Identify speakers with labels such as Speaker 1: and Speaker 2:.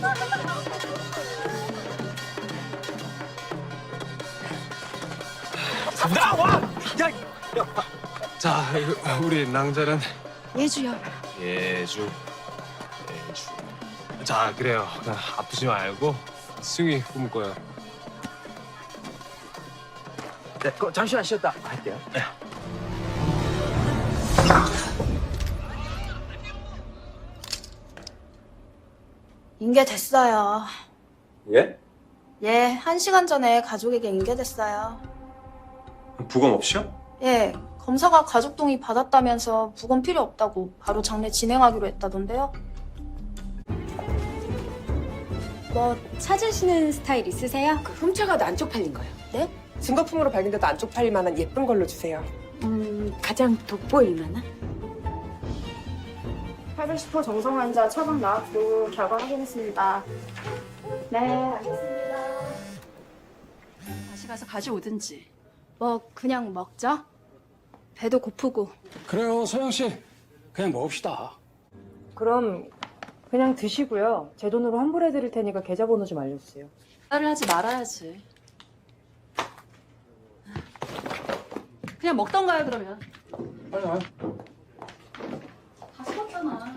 Speaker 1: 나와! 야! 자, 우리 낭자는
Speaker 2: 예주요.
Speaker 1: 예주. 자, 그래요. 아프지 말고 승희 꿈을 꿔요.
Speaker 3: 네, 잠시만 쉬었다 할게요.
Speaker 2: 인계됐어요.
Speaker 4: 예?
Speaker 2: 예, 1시간 전에 가족에게 인계됐어요.
Speaker 4: 부검 없이요?
Speaker 2: 예, 검사가 가족 동의 받았다면서 부검 필요 없다고 바로 장례 진행하기로 했다던데요.
Speaker 5: 뭐 찾으시는 스타일 있으세요?
Speaker 6: 훔쳐가도 안 쪽팔린 거예요.
Speaker 2: 네?
Speaker 6: 증거품으로 발견돼도 안 쪽팔릴 만한 예쁜 걸로 주세요.
Speaker 5: 가장 돋보일 만한?
Speaker 2: 810호 정성 환자 처방 나왔고 결과 확인했습니다. 네, 알겠습니다.
Speaker 5: 다시 가서 가져오든지.
Speaker 2: 뭐 그냥 먹죠? 배도 고프고.
Speaker 7: 그래요, 소영 씨. 그냥 먹읍시다.
Speaker 8: 그럼 그냥 드시고요. 제 돈으로 환불해드릴 테니까 계좌번호 좀 알려주세요.
Speaker 5: 말을 하지 말아야지. 그냥 먹던가요, 그러면.
Speaker 7: 빨리 와요.
Speaker 5: 다 식었잖아.